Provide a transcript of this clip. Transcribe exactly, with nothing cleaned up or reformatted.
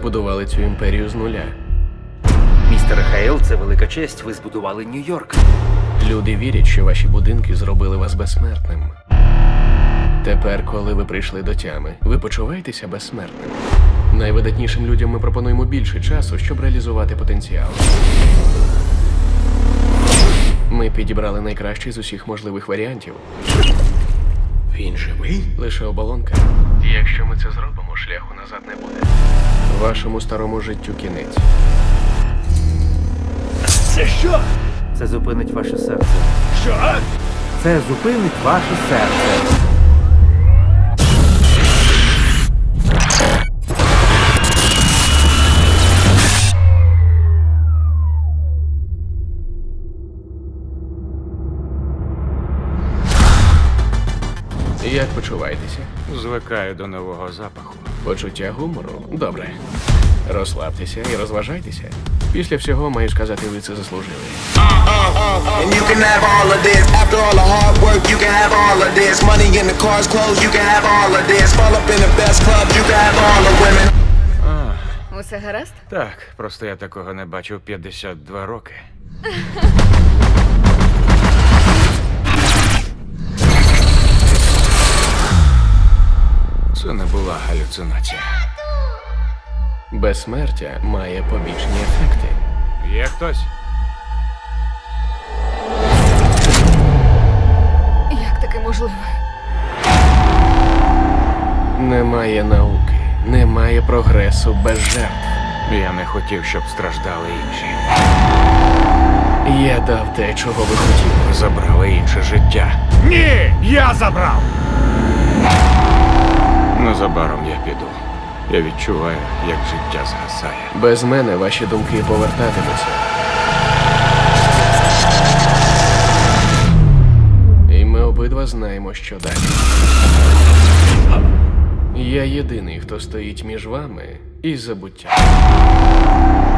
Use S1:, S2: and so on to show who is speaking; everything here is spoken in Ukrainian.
S1: збудували цю імперію з нуля.
S2: Містер Хейл, це велика честь. Ви збудували Нью-Йорк.
S1: Люди вірять, що ваші будинки зробили вас безсмертним. Тепер, коли ви прийшли до тями, ви почуваєтеся безсмертним. Найвидатнішим людям ми пропонуємо більше часу, щоб реалізувати потенціал. Ми підібрали найкращий з усіх можливих варіантів.
S2: Він живий?
S1: Лише оболонка. Якщо ми це зробимо, шляху назад не буде. Вашому старому життю кінець.
S3: Це що?
S2: Це зупинить ваше серце.
S3: Що?
S2: Це зупинить ваше серце.
S1: Як почуваєтеся?
S3: Звикаю до нового запаху.
S1: Почуття гумору? Добре. Розслабтеся і розважайтеся. Після всього, маю сказати, ви це заслужили.
S4: And you can have all of this. After all the hard work, you can have all of this. Money in the cars, clothes, you can have all of this. Fall up in the best clubs, you can have all the women.
S5: Усе гаразд?
S3: Так, просто я такого не бачив п'ятдесят два роки. Це не була галюцинація.
S1: Безсмертя має побічні ефекти.
S3: Є хтось?
S5: Як таке можливо?
S1: Немає науки, немає прогресу без жертв.
S3: Я не хотів, щоб страждали інші.
S1: Я дав те, чого ви хотіли.
S3: Ви забрали інше життя.
S6: Ні, я забрав!
S3: Незабаром я піду. Я відчуваю, як життя згасає.
S1: Без мене ваші думки повертатимуться. І ми обидва знаємо, що далі. Я єдиний, хто стоїть між вами і забуттям.